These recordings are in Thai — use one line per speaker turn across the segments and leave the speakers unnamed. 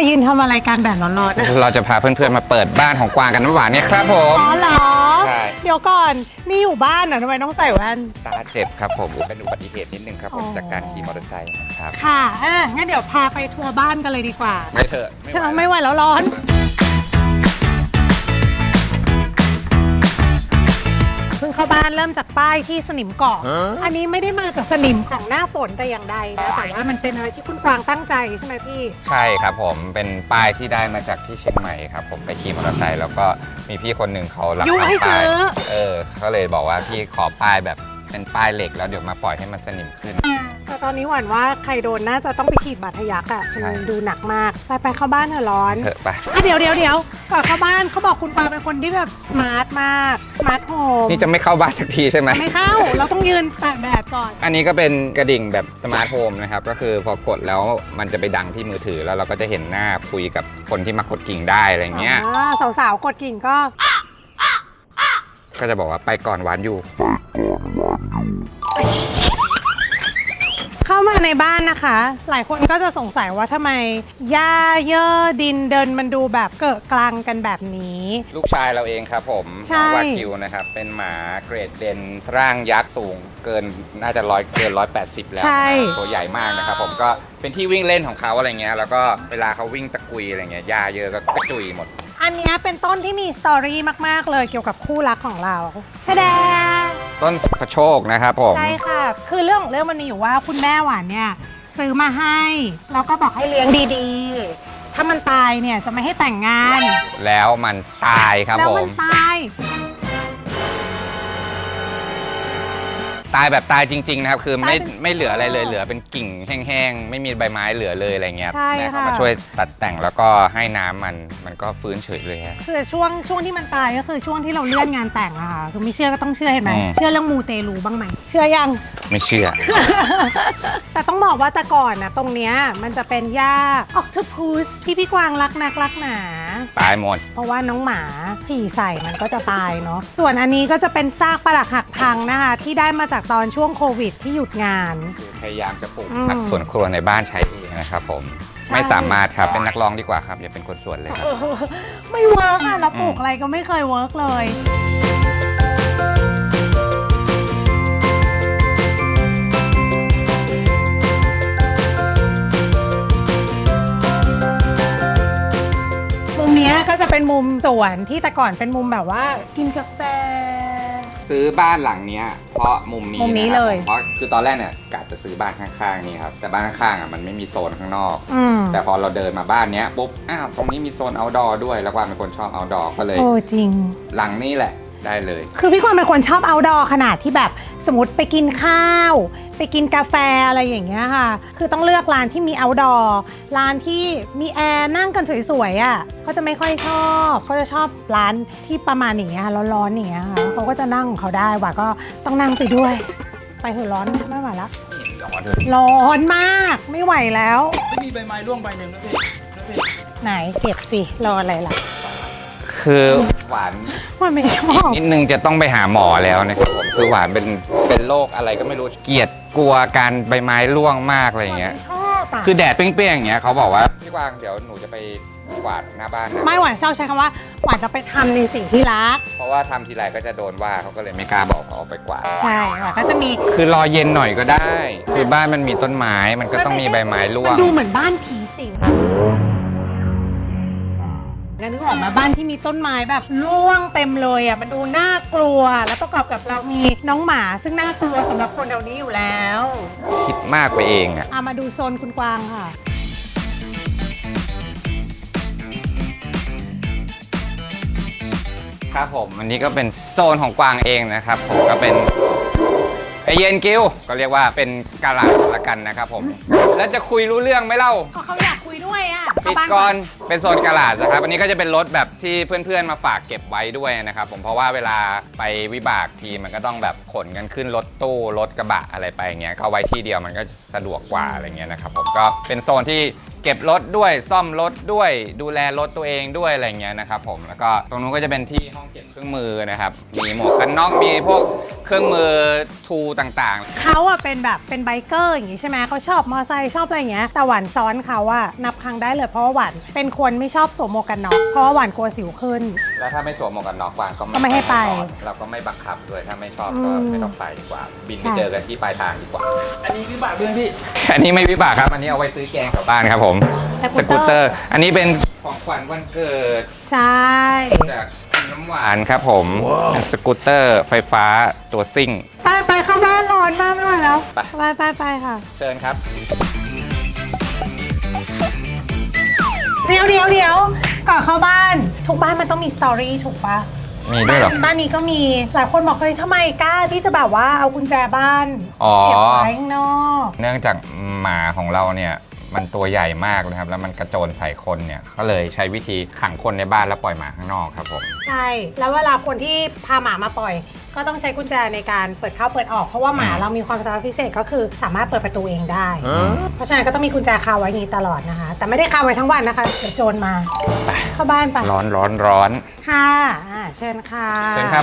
ยืนทำอะไรกลางแดดร้อนๆนะ
เราจะพาเพื่อนๆมาเปิดบ้านของกวางกันหวานเนี่ยครับผม
อ๋อเหรอ
ใช่
เดี๋ยวก่อนนี่อยู่บ้านเหรอทำไมต้องใส่แว่น
ตาเจ็บครับผมเป็นอุบัติเหตุนิดนึงครับผม
อ๋อ
จากการขี่มอเตอร์ไซค์ครับ
ค่ะงั้นเดี๋ยวพาไปทัวร์บ้านกันเลยดีกว่า
ไม่เถอะ
เชื่อไม่ไหวแล้วร้อนเพิ่งเข้าบ้านเริ่มจากป้ายที่สนิมเกาะอันนี้ไม่ได้มาจากสนิมของหน้าฝนแต่อย่างใดนะแต่ว่ามันเป็นอะไรที่คุณกวางตั้งใจใช่ไหมพี่
ใช่ครับผมเป็นป้ายที่ได้มาจากที่เชียงใหม่ครับผมไปขี่มอเตอร์ไซค์แล้วก็มีพี่คนหนึ่งเขารับ
ยุให้
ทำป้าย
ซื้อ
เขาเลยบอกว่าพี่ขอป้ายแบบเป็นป้ายเหล็กแล้วเดี๋ยวมาปล่อยให้มันสนิมขึ้น
แต่ตอนนี้หวั่นว่าใครโดนน่าจะต้องไปฉีดบาดทะยักอ่ะ
ใช่
มันดูหนักมากไปเข้าบ้านเถอะร้อน
เถอะไป
เดี๋ยวก่อนเข้าบ้านเขาบอกคุณปาเป็นคนที่แบบสมาร์ทมากสมาร์ทโฮม
นี่จะไม่เข้าบ้านสักทีใช่ไหม
ไม่เข้าเราต้องยืนตากแดดก่อน
อันนี้ก็เป็นกระดิ่งแบบสมาร์ทโฮมนะครับก็คือพอกดแล้วมันจะไปดังที่มือถือแล้วเราก็จะเห็นหน้าคุยกับคนที่มากดกิ่งได้อะไรเงี้ย
สาวๆกดกิ่งก็
ก็จะบอกว่าไปก่อนหวานอยู่
เข้ามาในบ้านนะคะ หลายคนก็จะสงสัยว่าทำไมหญ้าเย่อดินเดินมันดูแบบเกิดกลางกันแบบนี้
ลูกชายเราเองครับผม
ใช่
น้องวากิวนะครับเป็นหมาเกรดเดนร่างยักษ์สูงเกินน่าจะเกิน 180 แล้ว
ใช่
นะครับตัวใหญ่มากนะครับผมก็เป็นที่วิ่งเล่นของเขาอะไรเงี้ยแล้วก็เวลาเขาวิ่งตะกุยอะไรเงี้ยหญ้าเยอะก็กระจุยหมด
อันเนี้ยเป็นต้นที่มีสตอรี่มากๆเลยเกี่ยวกับคู่รักของเราแท้ๆ
ต้นพระโชคนะครับผม
ใช่ค่ะ คือเรื่องของเรื่องมันมีอยู่ว่าคุณแม่หวานเนี่ยซื้อมาให้แล้วก็บอกให้เลี้ยงดีๆ ถ้ามันตายเนี่ยจะไม่ให้แต่งงาน
แล้วมันตายครับ
แล้ว
ผ
มั
ม
ตาย
ตายแบบตายจริงๆนะครับคือ
ตายเป็น
ไม่เหลืออะไรเลยเหลือเป็นกิ่งแห้งๆไม่มีใบไม้เหลือเลยอะไรเงี้ย
ใช่
นะเขา
ค่ะ
มาช่วยตัดแต่งแล้วก็ให้น้ำมันก็ฟื้นเฉยเลยฮะ
คือช่วงที่มันตายก็คือช่วงที่เราเลื่อนงานแต่งอะค่ะคือไม่เชื่อก็ต้องเชื่อเห็นไหม
อืม
เชื่อเรื่องมูเตลูบ้างไหมเชื่อยัง
ไม่เชื่อ
แต่ต้องบอกว่าแต่ก่อนนะตรงเนี้ยมันจะเป็นหญ้าออกทูพูสที่พี่กวางรักนักรักหนา
ตายหมด
เพราะว่าน้องหมาฉี่ใส่มันก็จะตายเนาะ ส่วนอันนี้ก็จะเป็นซากปรักหักพังนะคะ ที่ได้มาจากตอนช่วงโควิดที่หยุดงาน
คือพยายามจะปลูก
อืม
ผักสวนครัวในบ้านใช้เองนะครับผม
ใช่
ไม่สามารถครับเป็นนักร้องดีกว่าครับอย่าเป็นคนสวนเลยครับ
ไม่เวิร์กอะเราปลูกอะไรก็ไม่เคยเวิร์กเลย มุมเนี้ยก็จะเป็นมุมสวนที่แต่ก่อนเป็นมุมแบบว่ากินกาแฟ
ซื้อบ้านหลังเนี้ยเพราะมุมนี้
มุมนี้
นะครับ
เลย
เพราะคือตอนแรกเนี่ยกะจะซื้อบ้านข้างๆนี่ครับแต่บ้านข้างๆอ่ะมันไม่มีโซนข้างนอก
อืม
แต่พอเราเดินมาบ้านเนี้ยปุ๊บอ้าวตรงนี้มีโซน outdoor ด้วยแล้วกวางเป็นคนชอบ outdoor ก็เลย
โอ้จริง
หลังนี้แหละได้เลย
คือพี่กวางเป็นคนชอบ outdoor ขนาดที่แบบสมมติไปกินข้าว ไปกินกาแฟอะไรอย่างเงี้ยค่ะ คือต้องเลือกร้านที่มี outdoor ร้านที่มีแอร์นั่งกันสวยๆอ่ะเขาจะไม่ค่อยชอบเขาจะชอบร้านที่ประมาณอย่างเงี้ยค่ะร้อนๆอย่างเงี้ยค่ะเขาก็จะนั่งของเขาได้ว่าก็ต้องนั่งไปด้วย ไปเถอะร้อนไม่ไหวแล้ว
ร้อนเลย
ร้อนมากไม่ไหวแล้ว
ไม่มีใบไม้ร่วงใบหนึ่งนะพี่นะพี่
ไหนเก็บสิรออะไรล่ะ
คือหวาน
มันไม่ชอบ
นิดนึงจะต้องไปหาหมอแล้วนะครับผมคือหวานเป็นโรคอะไรก็ไม่รู้เกลียดกลัวการใบไม้ร่วงมากอะไรอย่างเงี้ย
ไม่ชอบอะ
คือแดดเปรี้ยงๆอย่างเงี้ยเขาบอกว่าพี่กวางเดี๋ยวหนูจะไปกวาดหน้าบ้านนะ
ไม่หวานชอบใช้คำว่าหวานจะไปทำในสิ่งที่รัก
เพราะว่าทำทีไรก็จะโดนว่าเขาก็เลยไม่กล้าบอกเขาเอาไปกวาด
ใช่หวานก็จะมี
คือรอเย็นหน่อยก็ได้ คือบ้านมันมีต้นไม้มันก็ต้องมีใบไม้ร่ว
มั
ง
นดูเหมือนบ้านผีสิงแล้วนึกออกมาบ้านที่มีต้นไม้แบบร่วงเต็มเลยอ่ะมันดูน่ากลัว แล้วประกอบกับเรามีน้องหมาซึ่งน่ากลัวสำหรับคนแถวนี้อยู่แล้ว
คิดมากไปเองอ่ะ
มาดูโซนคุณกวางค่ะ
ครับผมอันนี้ก็เป็นโซนของกวางเองนะครับผมก็เป็นไอเย็นกิ้วก็เรียกว่าเป็นกาลาดละกันนะครับผมแล้วจะคุยรู้เรื่องไหมเล่า
ก็เขาอยากคุยด้วยอ่ะ
ปิดก่อนเป็นโซนกาลาดนะครับอันนี้ก็จะเป็นรถแบบที่เพื่อนๆมาฝากเก็บไว้ด้วยนะครับผมเพราะว่าเวลาไปวิบากทีมันก็ต้องแบบขนกันขึ้นรถตู้รถกระบะอะไรไปอย่างเงี้ยก็เอาไว้ที่เดียวมันก็สะดวกกว่าอะไรเงี้ยนะครับผมก็เป็นโซนที่เก็บรถด้วยซ่อมรถด้วยดูแลรถตัวเองด้วยอะไรเงี้ยนะครับผมแล้วก็ตรงนู้นก็จะเป็นที่ห้องเก็บเครื่องมือนะครับมีหมวกกันน็อกมีพวกเครื่องมือทูต่างๆ
เขาอะเป็นแบบเป็นไบเกอร์อย่างงี้ใช่ไหมเขาชอบมอไซค์ชอบอะไรอย่างเงี้ยแต่หวานซ้อนเขาอะนับครั้งได้เลยเพราะว่าหวานเป็นคนไม่ชอบสวมหมวกกันน็อกเพราะว่าหวานกลัวสิวขึ้น
แล้วถ้าไม่สวมหมวกกันน็อกวางก็
ไม่ให้ไป
เราก็ไม่บังคับด้วยถ้าไม่ชอบก็ไม่ต้องไปดีกว่า บิน
ใช่
ไปเจอกันที่ปลายทางดีกว่า
อันนี้วิบากด้วยพี่
อันนี้ไม่วิบากครับ อันนี้เอาไว้ซื้อแกงกลับบ้านครับผมสกูตเตอร์ อันนี้เป็นของขวัญวันเกิด
ใช่
จากคุณน้ำหวานครับผมเป็นสกูตเตอร์ไฟฟ้าตัวซิ่ง
ไปเข้าบ้านร้อนมากไม่ไหวแล้ว
ไป
ไปค่ะ
เชิญครับ
เดี๋ยวก่อนเข้าบ้านทุกบ้านมันต้องมีสตอรี่ถูกปะ
มีด้วยเหรอ
บ้านนี้ก็มีหลายคนบอกเฮ้ยทำไมกล้าที่จะแบบว่าเอากุญแจบ้าน
อ๋อ
เสียบไว้ข้างนอก
เนื่องจากหมาของเราเนี่ยมันตัวใหญ่มากนะครับแล้วมันกระโจนใส่คนเนี่ยก็เลยใช้วิธีขังคนในบ้านแล้วปล่อยหมาข้างนอกครับผม
ใช่ แล้วเวลาคนที่พาหมามาปล่อย ก็ต้องใช้กุญแจในการเปิดเข้าเปิดออกเพราะว่าหมาเรามีความสามารถพิเศษก็คือสามารถเปิดประตูเองได้ เพราะฉะนั้นก็ต้องมีกุญแจคาไว้อย่างนี้ตลอดนะคะ แต่ไม่ได้คาไว้ทั้งวันนะคะเดี๋ยวโจรมาเข้าบ้านไป
ร้อน
ค่ะเชิญค่ะ
เชิญครับ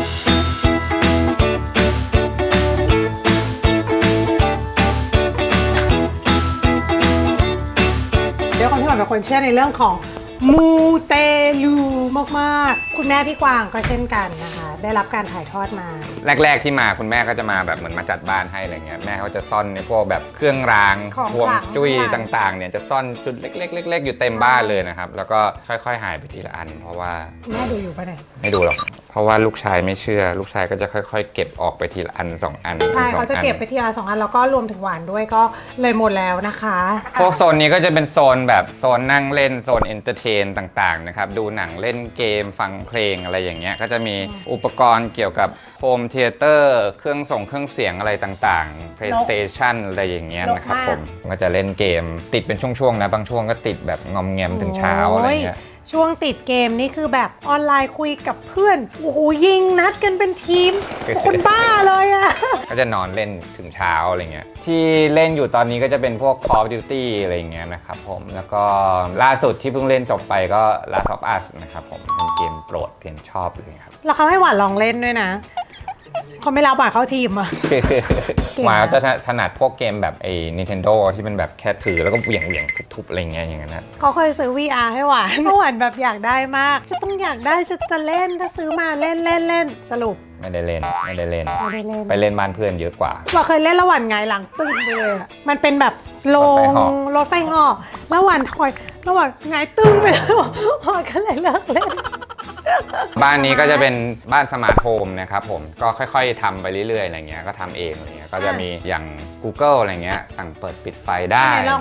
เดี๋ยวคนที่หวานเป็นคนเชื่อในเรื่องของมูเตลูมากๆคุณแม่พี่กวางก็เช่นกันนะคะ ได้รับการถ่ายทอดมา
แรก ๆที่มาคุณแม่ก็จะมาแบบเหมือนมาจัดบ้านให้อะไรเงี้ยแม่เขาจะซ่อนในพวกแบบเครื่องราง
ของ
พวง
ขลัง
จุ้ย
ของขลัง
ต่างๆเนี่ยจะซ่อนจุดเล็กๆอยู่เต็มบ้านเลยนะครับแล้วก็ค่อยๆหายไปทีละอัน เพราะว่า
แม่ดูอยู่ปะเนี่ย
ไม่ดูหรอกเพราะว่าลูกชายไม่เชื่อ ลูกชายก็จะค่อยๆ เก็บออกไปทีละอัน2 อัน
ใช่
สอง
เขาจะเก็บไปทีละ2 อันแล้วก็รวมถึงหวานด้วยก็เลยหมดแล้วนะคะ
พวกโซนนี้ก็จะเป็นโซนแบบโซนนั่งเล่นโซนเอนเตอร์เทนต่างๆนะครับดูหนังเล่นเกมฟังเพลงอะไรอย่างเงี้ยก็จะมีอุปกรณ์เกี่ยวกับโฮมเทเตอร์เครื่องส่งเครื่องเสียงอะไรต่างๆ PlayStation อะไรอย่างเงี้ยนะครับผมก็จะเล่นเกมติดเป็นช่วงๆนะบางช่วงก็ติดแบบงอมแงมถึงเช้าอะไรเงี้ย
ช่วงติดเกมนี่คือแบบออนไลน์คุยกับเพื่อนโอ้โหยิงนัดกันเป็นทีม คนบ้าเลยอะ
ก็จะนอนเล่นถึงเช้าอะไรเงี้ยที่เล่นอยู่ตอนนี้ก็จะเป็นพวก Call of Duty อะไรเงี้ยนะครับผมแล้วก็ล่าสุดที่เพิ่งเล่นจบไปก็ Last of Us นะครับผมเป็นเกมโปรดเกมชอบเลยครับ
แล้วเขาให้หวานลองเล่นด้วยนะเขาไม่รับหวานเข้าทีมอะ
หมาจะถนัดพวกเกมแบบไอ้ Nintendo ที่เป็นแบบแค่ถือแล้วก็เหวี่ยงทุบๆอะไรเงี้ยอย่างนั้นนะ
เขาเคยซื้อ VR ให้หวานเพราะหวานแบบอยากได้มากจะต้องอยากได้จะเล่นถ้าซื้อมาเล่นสรุป
ไม่ได้เล่น
ไม่ได้เล่น
ไปเล่นบ้านเพื่อนเยอะกว่า
หวานเคยเล่นแล้วหวานหงายหลังตึ้งไปเลยอะมันเป็นแบบโลงรถไฟเหาะแล้วหวานถอยแล้วหวานหงายตึ้งไปแล้วหวานก็เลยเลิกเล่น
บ้านนี้ก็จะเป็นบ้านสมาร์ทโฮมนะครับผมก็ค่อยๆทำไปเรื่อยๆอะไรเงี้ยก็ทำเองอะไรเงี้ยก็จะมีอย่าง Google อะไรเงี้ยสั่งเปิดปิดไฟได้
ลอง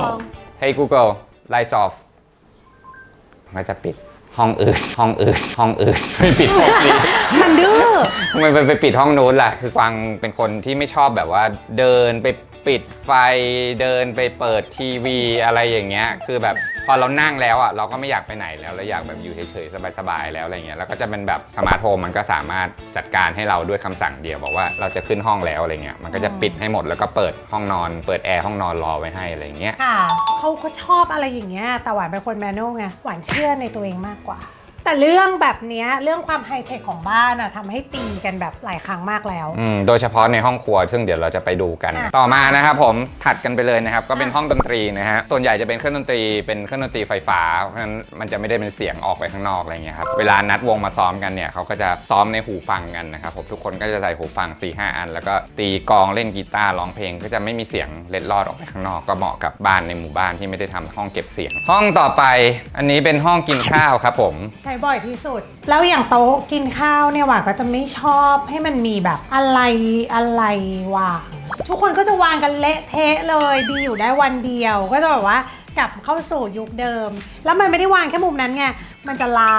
Hey Google Lights off ก็จะปิดห้องอื่นไม่ปิดห้องนี้
มันดื้อ
ทำไมไปปิดห้องนู้นล่ะคือกวางเป็นคนที่ไม่ชอบแบบว่าเดินไปปิดไฟเดินไปเปิดทีวีอะไรอย่างเงี้ยคือแบบพอเรานั่งแล้วอ่ะเราก็ไม่อยากไปไหนแล้วเราอยากแบบอยู่เฉยๆสบายๆแล้วอะไรเงี้ยแล้วก็จะเป็นแบบสมาร์ทโฮมมันก็สามารถจัดการให้เราด้วยคำสั่งเดียวบอกว่าเราจะขึ้นห้องแล้วอะไรเงี้ยมันก็จะปิดให้หมดแล้วก็เปิดห้องนอนเปิดแอร์ห้องนอนรอไว้ให้อะไรเงี้ย
ค่ะเขาก็ชอบอะไรอย่างเงี้ยแต่หวานเป็นคนแมนนวลไงหวานเชื่อในตัวเองมากกว่า แต่เรื่องแบบเนี้ยเรื่องความไฮเทคของบ้านอะทำให้ตีกันแบบหลายครั้งมากแล้ว
โดยเฉพาะในห้องครัวซึ่งเดี๋ยวเราจะไปดูกัน ต่อมานะครับผมถัดกันไปเลยนะครับก็เป็นห้องดนตรีนะฮะส่วนใหญ่จะเป็นเครื่องดนตรีเป็นเครื่องดนตรีไฟฟ้าเพราะฉะนั้นมันจะไม่ได้เป็นเสียงออกไปข้างนอกอะไรเงี้ยครับเวลานัดวงมาซ้อมกันเนี่ยเขาก็จะซ้อมในหูฟังกันนะครับผมทุกคนก็จะใส่หูฟัง 4-5 อันแล้วก็ตีกลองเล่นกีตาร์ร้องเพลงก็จะไม่มีเสียงเล็ดลอดออกไปข้างนอกก็เหมาะกับบ้านในหมู่บ้านที่ไม่ได้ทำห้องเก็บเสียง ห้องต่อไปอันนี้เป็นห้องกินข้าวครับผม
ใช้บ่อยที่สุด แล้วอย่างโต๊ะกินข้าวเนี่ยหวานก็จะไม่ชอบให้มันมีแบบอะไรวางทุกคนก็จะวางกันเละเทะเลยดีอยู่ได้วันเดียวก็จะแบบว่ากลับเข้าสู่ยุคเดิม แล้วมันไม่ได้วางแค่มุมนั้นไงมันจะลาม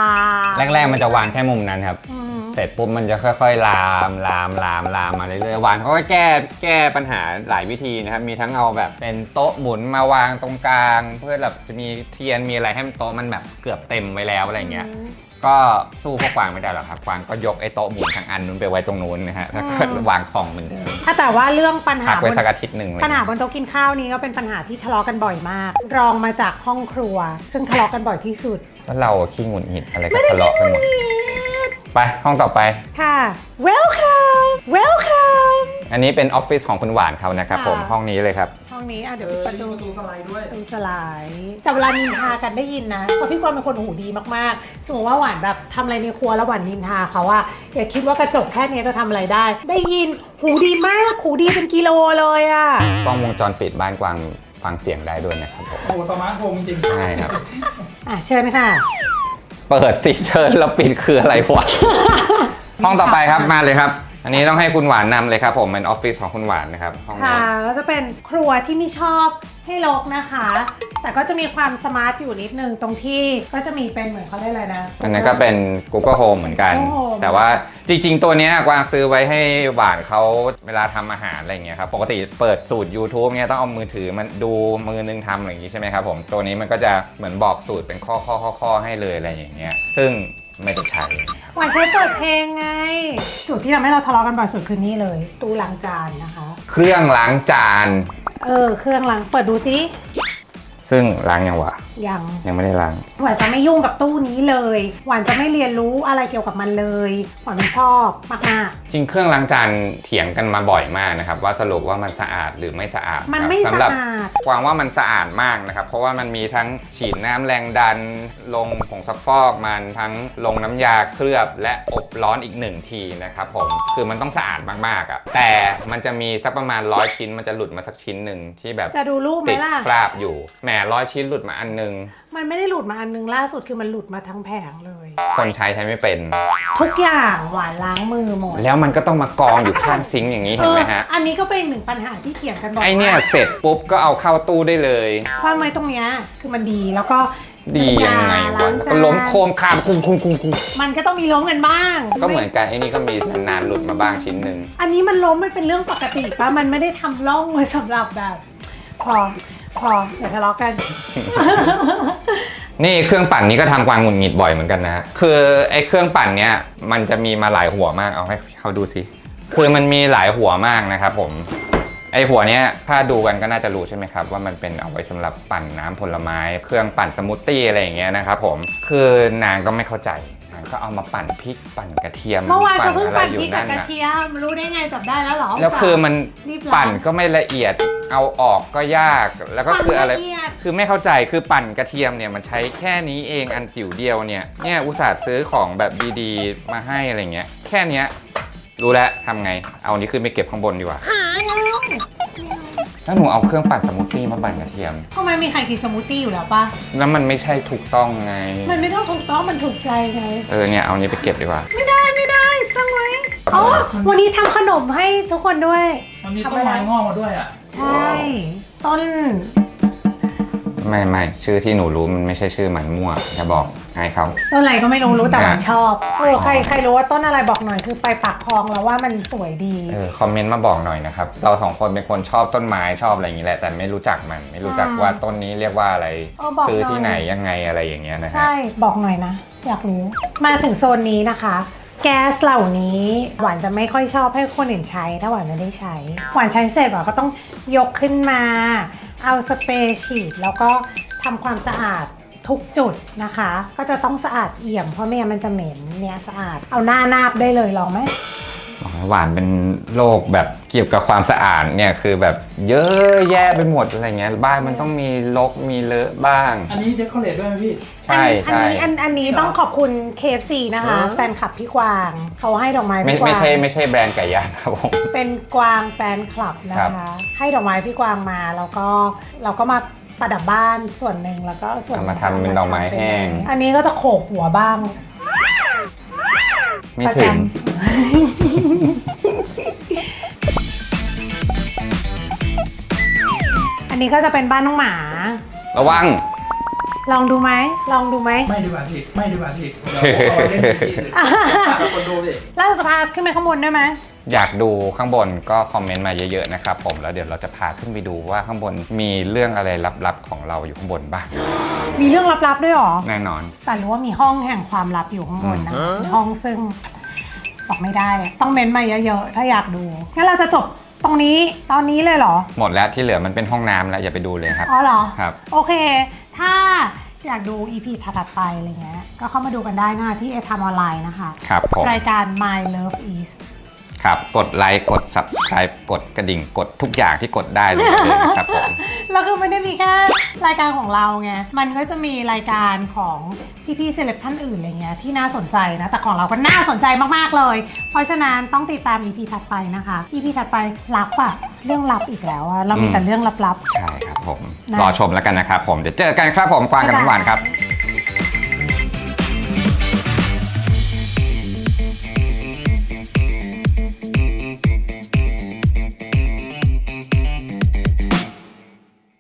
แรกๆมันจะวางแค่มุมนั้นครับเสร็จปุ๊บมันจะค่อยๆลามมาเรื่อยๆวานเขาก็แก้ปัญหาหลายวิธีนะครับมีทั้งเอาแบบเป็นโต๊ะหมุนมาวางตรงกลางเพื่อแบบจะมีเทียนมีอะไรให้โต๊ะมันแบบเกือบเต็มไว้แล้วอะไรเงี้ยก็ก็สู้พวกกวางไม่ได้หรอกครับกวางก็ยกไอ้โต๊ะหมุนทั้งอันนู้นไปไว้ตรงนู้นนะฮะแล้วก็วางของเหมือนเดิม
ถ้าแต่ว่าเรื่องปัญหา
พักไว้สักอาทิตย์หนึ่งเลย
ปัญหาบนโต๊ะกินข้าวนี้ก็เป็นปัญหาที่ทะเลาะกันบ่อยมาก รองมาจากห้องครัว ซึ่งทะเลาะกันบ่อยที่สุด
แล้วเราขี้หงุดหงิดอะไรก็ทะเลาะกันหมดไปห้องต่อไป
ค่ะ welcome welcome
อันนี้เป็นออฟฟิศของคุณหวานเขานะครับผมห้องนี้เลยครับ
ห้องนี้เดี๋ยว
มี
ประตู
ประตูสไลด์ด้วย
ประตูสไลด์แต่เวลานินทากันได้ยินนะเพราะพี่กวางเป็นคนหูดีมากๆสมมติว่าหวานแบบทำอะไรในครัวแล้วหวานนินทาเขาอะอย่าคิดว่ากระจกแค่นี้จะทำอะไรได้ ได้ยินหูดีมากหูดีเป็นกิโลเลยอะ
กล้องวงจรปิดบ้านกวางฟังเสียงได้ด้วยนะครับผม
โอ้โหสมาร์ทโฮมจริง
ใช่ครับ
เชิญค่ะ
เปิดสิเชิญแล้วปิดคืออะไรวะ ห้องต่อไปครับมาเลยครับ อันนี้ต้องให้คุณหวานนำเลยครับผมเป็นออฟฟิศของคุณหวานนะครับห้องนี้
ค่ะก็จะเป็นครัวที่ไม่ชอบให้รกนะคะ แต่ก็จะมีความสมาร์ทอยู่นิดนึงตรงที่ก็จะมีเป็นเหมือนเขาเรียกอะไรนะ
อันนั้นก็เป็น Google Home เหมือนกัน
Google Home
แต่ว่าจริงๆ ตัวเนี้ยกวางซื้อไว้ให้หวานเขาเวลาทำอาหารอะไรเงี้ยครับ ปกติเปิดสูตร YouTube เนี่ยต้องเอามือถือมันดูมือนึงทำอะไรอย่างงี้ใช่ไหมครับผม ตัวนี้มันก็จะเหมือนบอกสูตรเป็นข้อให้เลยอะไรอย่างเงี้ย ซึ่งไม่ได้ใช้นะครับ
หวานใช้เปิดเพลงไง จุดที่ทำให้เราทะเลาะกันบ่อยสุดคือนี่เลย ตู้ล้างจานนะคะ
เครื่องล้างจาน
เครื่องล้างเปิดดูซิ
ซึ่งล้างยังวะ
ยัง
ไม่ได้ล้าง
หวานจะไม่ยุ่งกับตู้นี้เลย หวานจะไม่เรียนรู้อะไรเกี่ยวกับมันเลย หวานไม่ชอบมาก
จริงเครื่องล้างจานเถียงกันมาบ่อยมากนะครับว่าสรุปว่ามันสะอาดหรือไม่สะอาด
ๆมันไม่
ครับ
สะ
สำหรับ
อาด
กวางว่ามันสะอาดมากนะครับ เพราะว่ามันมีทั้งฉีดน้ำแรงดัน ลงผงซักฟอกมันทั้งลงน้ำยาเคลือบและอบร้อนอีก1ทีนะครับผมคือมันต้องสะอาดมากๆอ่ะแต่มันจะมีสักประมาณ100ชิ้นมันจะหลุดมาสักชิ้นหนึ่งที่แบบ
จะดูรูปไหม
ติด
ล่ะ
คราบอยู่แหม100 ชิ้นหลุดมาอันนึง
มันไม่ได้หลุดมาอันนึงล่าสุดคือมันหลุดมาทั้งแผงเลย
คนใช้ไม่เป็น
ทุกอย่างหวานล้างมือหมด
แล้วมันก็ต้องมากองอยู่ข้างซิงค์อย่างนี้เห็นไหมฮะ
อันนี้ก็เป็นหนึ่งปัญหาที่เถียงกันบ่อย
ไอเนี่ยเสร็จปุ๊บก็เอาเข้าตู้ได้เลย
ความไว้ตรงเนี้ยคือมันดีแล้วก็
ดียังไงวะ
ล้าง
แล้ว
จา
ก็
น
ล้มโคมคามคุ้ม
มันก็ต้องมีล้มกันบ้าง
ก็เหมือนกันไอ้นี่ก็มีนานๆหลุดมาบ้างชิ้นหนึ่ง
อันนี้มันล้มมันเป็นเรื่องปกติป่ะมันไม่ได้ทำร่องไว้สำหรับแบบพอเดี๋ยวทะเลาะกัน
นี่เครื่องปั่นนี้ก็ทำกวางหงุดหงิดบ่อยเหมือนกันนะคือไอ้เครื่องปั่นเนี้ยมันจะมีมาหลายหัวมากเอาให้เขาดูสิคือมันมีหลายหัวมากนะครับผมไอ้หัวเนี้ยถ้าดูกันก็น่าจะรู้ใช่ไหมครับว่ามันเป็นเอาไว้สำหรับปั่นน้ำผลไม้ เครื่องปั่นสมูทตี้อะไรอย่างเงี้ยนะครับผมคือนางก็ไม่เข้าใจนางก็เอามาปั่นพริกปั่นกระเทียม
เมื่อวานเขา
ปั่
เพิ่ง
อะไร
ปั่น
อยู่
พริกกับ
นั่น
กระ
น่ะ
เทียมรู้ได้ไงจับได้แล้วเหรอ
แล้วคือมัน
รีบล้าง
ปั่นก็ไม่ละเอียดเอาออกก็ยากแล้วก็คืออะไร
ปั่นละเอียด
คือไม่เข้าใจคือปั่นกระเทียมเนี่ยมันใช้แค่นี้เองอันจิ๋วเดียวเนี่ยอุตส่าห์ซื้อของแบบดีๆมาให้อะไรเงี้ยแค่เนี้ยรู้แล้วทำไงเอาอันนี้ขึ้นไปเก็บข้างบนดีกว่าถ้าหนูเอาเครื่องปั่นสมูทตี้มาปั่นกระเทียม
ทำไมมีใครกินสมูทตี้อยู่แล้วป่ะ
แล้วมันไม่ใช่ถูกต้องไง
มันไม่ต้องถูกต้องมันถูกใจไง
เนี่ยเอาอันนี้ไปเก็บดีกว่า
ไม่ได้ตั้งไว้อ๋อวันนี้ทำขนมให้ทุกคนด้วย
มันมีต้นไม้งอกมาด้วยอ่ะ
ใช่ต้น
ไม่ชื่อที่หนูรู้มันไม่ใช่ชื่อมันมั่วอย่าบอกให้เขา
ต้นอะไรก็ไม่รู้แต่หวานชอบใครรู้ว่าต้นอะไรบอกหน่อยคือไปปากคลองแล้วว่ามันสวยดี
คอมเมนต์มาบอกหน่อยนะครับเราสองคนเป็นคนชอบต้นไม้ชอบอะไรอย่างนี้แหละแต่ไม่รู้จักมันไม่รู้จักว่าต้นนี้เรียกว่าอะไร
บอก
ซื้อ
หน่อย
ที่ไหนยังไงอะไรอย่างเงี้ยนะฮะ
ใช่บอกหน่อยนะ อยากรู้มาถึงโซนนี้นะคะ แก๊สเหล่านี้หวานจะไม่ค่อยชอบให้คนอื่นใช้ถ้าหวานไม่ได้ใช้หวานใช้เสร็จหวานก็ต้องยกขึ้นมาเอาสเปรย์ฉีดแล้วก็ทำความสะอาดทุกจุดนะคะ ก็จะต้องสะอาดเอี่ยมเพราะไม่งั้นมันจะเหม็นเนี่ยสะอาดเอาหน้านาบได้เลยลองไหม
หวานเป็นโรคแบบเกี่ยวกับความสะอาดเนี่ยคือแบบเยอะแยะไปหมดอะไรเงี้ยบ้านมันต้องมีรกมีเลอะบ้าง
อันนี้เดคอเรทด้วยไหมพี่
ใช่
อันนี้ต้องขอบคุณ KFC นะคะแฟนคลับพี่กวางเขาให้ดอกไม้พี่กวาง
ไม่ใช่แบรนด์ไก่ย่างครับผม
เป็นกวางแฟนคลับนะ
ครั
คะ
บ
ให้ดอกไม้พี่กวางมาแล้วก็เราก็มาประดับบ้านส่วนหนึ่งแล้วก็ส่วน
เอามาทำเป็นดอกไม้แห้ง
อันนี้ก็จะโขกหัวบ้าง
ไม่ถึง
อันนี้ก็จะเป็นบ้านน้องหมา
ระวัง
ลองดูไหม
ไม่ดีกว่าพี่เดี๋ยวเอาเล่นพี่เลยคนดูดิ
แล้วเราจะพาขึ้นไปข้างบนได้ไหม
อยากดูข้างบนก็คอมเมนต์มาเยอะๆนะครับผมแล้วเดี๋ยวเราจะพาขึ้นไปดูว่าข้างบนมีเรื่องอะไรลับๆของเราอยู่ข้างบนบ้าง
มีเรื่องลับๆด้วยเหรอ
แน่นอน
แต่รู้ว่ามีห้องแห่งความลับอยู่ข้างบนนะมีห้องซึ่งบอกไม่ได้อะต้องเม้นต์มาเยอะๆถ้าอยากดูงั้นเราจะจบตรงนี้ตอนนี้เลยเหรอ
หมดแล้วที่เหลือมันเป็นห้องน้ำแล้วอย่าไปดูเลยครับ
อ๋อเหรอ
ครับ
โอเค ถ้าอยากดู EP ถัดๆไปอะไรเงี้ยก็เข้ามาดูกันได้นะคะที่ ทำออนไลน์นะคะ
ครับผม
รายการ My Love Is
ครับกดไลค์กด subscribe กดกระดิ่งกดทุกอย่างที่กดได้เลยนะครับผม
แล้วคือไม่ได้มีแค่รายการของเราไง มันก็จะมีรายการของพี่ๆเซเลบท่านอื่นอะไรเงี้ยที่น่าสนใจนะ แต่ของเราก็น่าสนใจมากๆเลย เพราะฉะนั้นต้องติดตาม EP ถัดไปนะคะ EP ถัดไปลับอะเรื่องลับอีกแล้วอะเรามีแต่เรื่องลับ
ใช่ครับผม
นะ
รอชมแล้วกันนะครับผมเดี๋ยวเจอกันครับผมกวางกับน้ำหวานครับ